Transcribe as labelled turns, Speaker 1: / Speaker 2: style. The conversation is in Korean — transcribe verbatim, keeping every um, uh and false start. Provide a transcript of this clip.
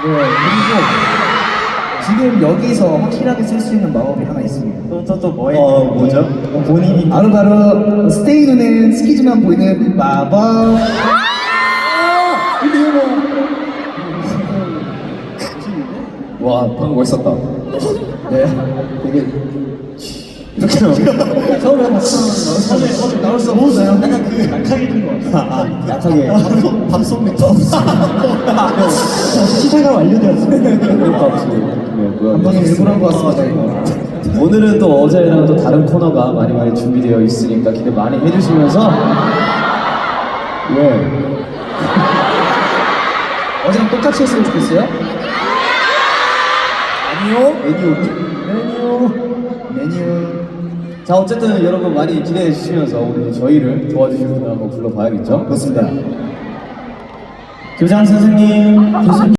Speaker 1: 그리고 지금 여기서 확실하게 쓸 수 있는 마법이 하나 있습니다.
Speaker 2: 또 또 또 뭐예요?
Speaker 3: 어, 뭐죠?
Speaker 2: 본인이
Speaker 1: 바로 바로 스테이 눈에는 스키즈만 보이는 마법.
Speaker 3: 와, 방금 멋있었다.
Speaker 1: 네, 되게
Speaker 3: 이렇게 나오네.
Speaker 1: 처음에 나올 나올 수 없어요.
Speaker 2: 약간 그 약하게 된것 같아.
Speaker 3: 아, 약하게.
Speaker 2: 밥송 맥주 시사가 완료되었습니다.
Speaker 1: 감독님 일부러 한 것 같습니다. 이거.
Speaker 3: 오늘은 또 어제랑 또 다른 코너가 많이 많이 준비되어 있으니까 기대 많이 해주시면서 예.
Speaker 1: 어제랑 똑같이 했으면 좋겠어요.
Speaker 3: 아니요. 메뉴.
Speaker 1: 메뉴 메뉴.
Speaker 3: 자, 어쨌든 여러분 많이 기대해 주시면서 오늘 저희를 도와주실 분을 한번 불러봐야겠죠?
Speaker 1: 그렇습니다.
Speaker 3: 교장 선생님. 교수님.